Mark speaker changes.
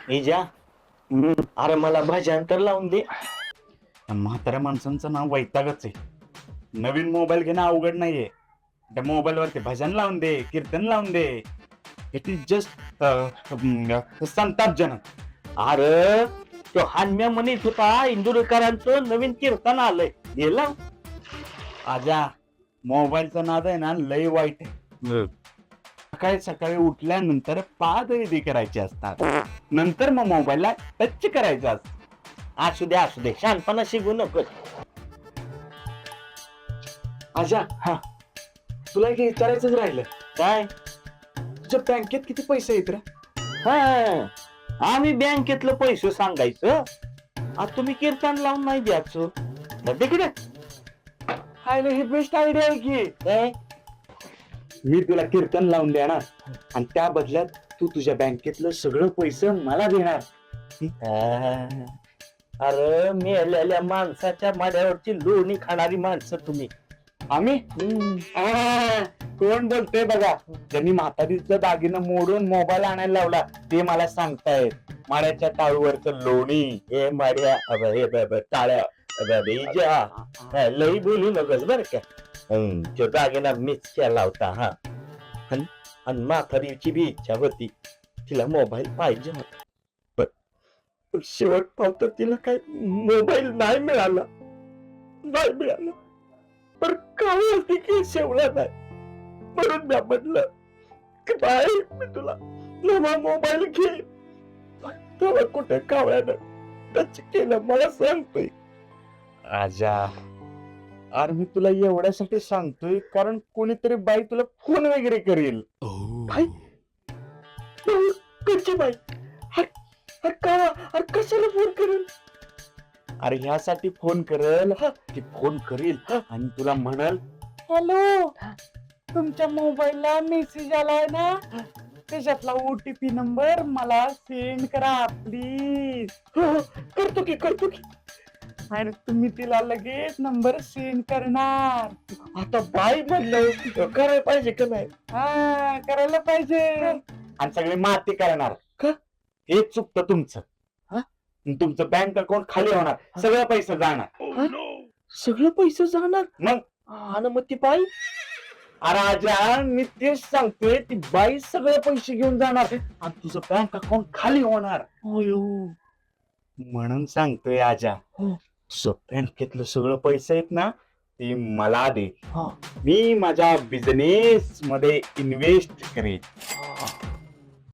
Speaker 1: इजा अरे मला भाषांतर लावून दे.
Speaker 2: म्हाताऱ्या माणसांचं नाव वैतागच आहे. नवीन मोबाईल घेणं अवघड नाहीये. त्या मोबाईल वरती भजन लावून दे, कीर्तन लावून दे. इट इज जस्ट संतापजनक.
Speaker 1: अरे तो हान्म्या म्हणत होता इंदुरकरांचं नवीन कीर्तन आलंय, गेला.
Speaker 2: आजा मोबाईलचा नाद आहे ना लय वाईट आहे. सकाळी सकाळी उठल्यानंतर पादविधी करायचे असतात, नंतर मग मोबाईलला टच करायचं असतं.
Speaker 1: असू दे शहाणपणा शिकू नकोस.
Speaker 3: आजा
Speaker 2: हा.
Speaker 3: तुला एक विचारायचंच राहिलं.
Speaker 1: काय?
Speaker 3: तुझ्या बँकेत किती पैसे आहेत रे?
Speaker 1: हा आम्ही बँकेतलं पैसे सांगायचं, आता तुम्ही कीर्तन लावून नाही द्यायचं. तिकडे
Speaker 3: हाय हे बेस्ट आयडिया आहे की.
Speaker 1: काय?
Speaker 3: मी तुला कीर्तन लावून देणार आणि त्या बदल्यात तू तुझ्या बँकेतलं सगळं पैसे मला देणार.
Speaker 1: अरे मेलेल्या माणसाच्या माड्यावरची लोणी खाणारी माणसं तुम्ही.
Speaker 3: आम्ही कोण बोलतोय बघा. ज्यांनी म्हातारीचा दागिना मोडून मोबाईल आणायला लावला ते मला सांगतायत. माळ्याच्या टाळूवरचं लोणी.
Speaker 1: हे माड्या टाळ्या लई बोलू नकोस बर का. तो दागिना मीच केला होता. हा आणि म्हातारीची बी इच्छा होती, तिला मोबाईल पाहिजे होता. पण शेवट पावतं तिला काय मोबाईल नाही मिळाला. पण काय की शेवला नाही. म्हणून मी म्हटलं की बाई मी तुला नवा मोबाईल घे. तेव्हा कुठे कावळ्यानं टच केलं मला सांगतोय.
Speaker 2: आजा अरे मी तुला एवढ्यासाठी सांगतोय कारण कोणीतरी बाई तुला फोन वगैरे करेल.
Speaker 1: बाई कशी बाई? अरे कशाला फोन करेल?
Speaker 2: अरे ह्यासाठी फोन करेल की फोन करील आणि तुला म्हणल, हॅलो तुमच्या मोबाईलला मेसेज आलाय ना, त्याच्यातला OTP नंबर मला सेंड करा प्लीज.
Speaker 1: करतो की.
Speaker 2: आणि तुम्ही तिला लगेच नंबर सेंड करणार.
Speaker 1: आता बाई म्हणलं करायला पाहिजे का नाही?
Speaker 2: हा करायला पाहिजे. आणि सगळे माती करणार
Speaker 1: का?
Speaker 2: हे चुकतं तुमचं. तुमचं बँक अकाउंट खाली होणार, सगळं पैसे जाणार.
Speaker 1: सगळं पैसे जाणार
Speaker 2: मग
Speaker 1: आणि मग ती बाई?
Speaker 2: अरे आजा मी तेच सांगतोय, ती बाई सगळे पैसे घेऊन जाणार आणि तुझं बँक अकाउंट खाली होणार. म्हणून सांगतोय आजा, तुझं बँकेतलं सगळं पैसे आहेत ना ते मला दे. मी माझ्या बिझनेस मध्ये इन्व्हेस्ट करेन.